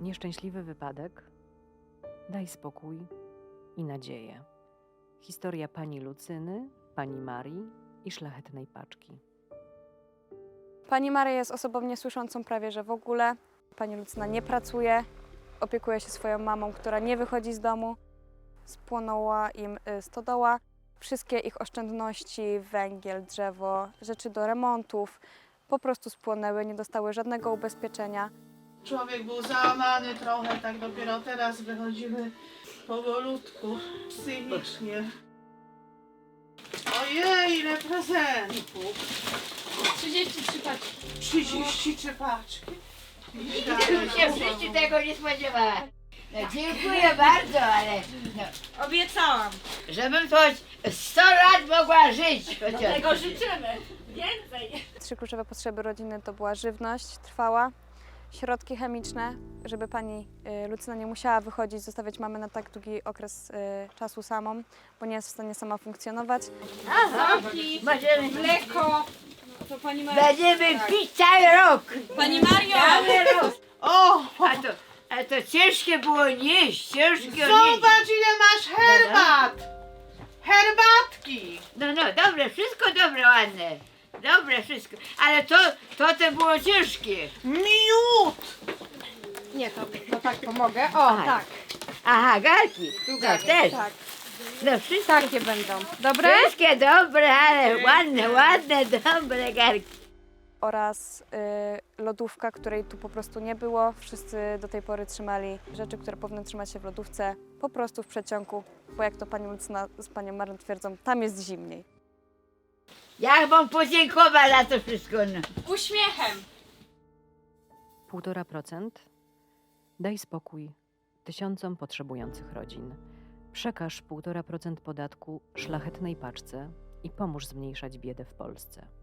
Nieszczęśliwy wypadek, daj spokój i nadzieję. Historia pani Lucyny, pani Marii i szlachetnej paczki. Pani Maria jest osobą niesłyszącą prawie że w ogóle. Pani Lucyna nie pracuje, opiekuje się swoją mamą, która nie wychodzi z domu. Spłonęła im stodoła. Wszystkie ich oszczędności, węgiel, drzewo, rzeczy do remontów po prostu spłonęły, nie dostały żadnego ubezpieczenia. Człowiek był załamany trochę, tak dopiero teraz wychodzimy powolutku, psychicznie. Ojej, ile prezentów! 33 paczki. 33 paczki. Nigdy bym się w życiu tego nie spodziewała. No, dziękuję bardzo, ale no, Obiecałam. żebym choć 100 lat mogła żyć chociaż. Tego życzymy. Więcej. 3 kluczowe potrzeby rodziny to była żywność trwała, środki chemiczne, żeby pani Lucyna nie musiała wychodzić, zostawiać mamy na tak długi okres czasu samą, bo nie jest w stanie sama funkcjonować. Możemy, Mleko. To pani Maria. będziemy pić cały rok. Pani Mario! Cały rok. O! A to ciężkie było nieść, ciężkie nieść. Zobacz, ile masz herbat! Herbatki! No, dobre, wszystko dobre, ładne. Dobre wszystko, ale to było ciężkie. Miód! Nie, to tak pomogę. O, Aha. tak. Aha, garki. No też. Tak. No wszystko. Takie będą. Dobre? Wszystkie dobre, ale ładne, dobre garki. Oraz lodówka, której tu po prostu nie było. Wszyscy do tej pory trzymali rzeczy, które powinny trzymać się w lodówce, po prostu w przeciągu, bo jak to pani Lucyna z panią Marią twierdzą, tam jest zimniej. Ja wam podziękować za to wszystko. No. Uśmiechem. 1,5%. Daj spokój tysiącom potrzebujących rodzin. Przekaż 1,5% podatku szlachetnej paczce i pomóż zmniejszać biedę w Polsce.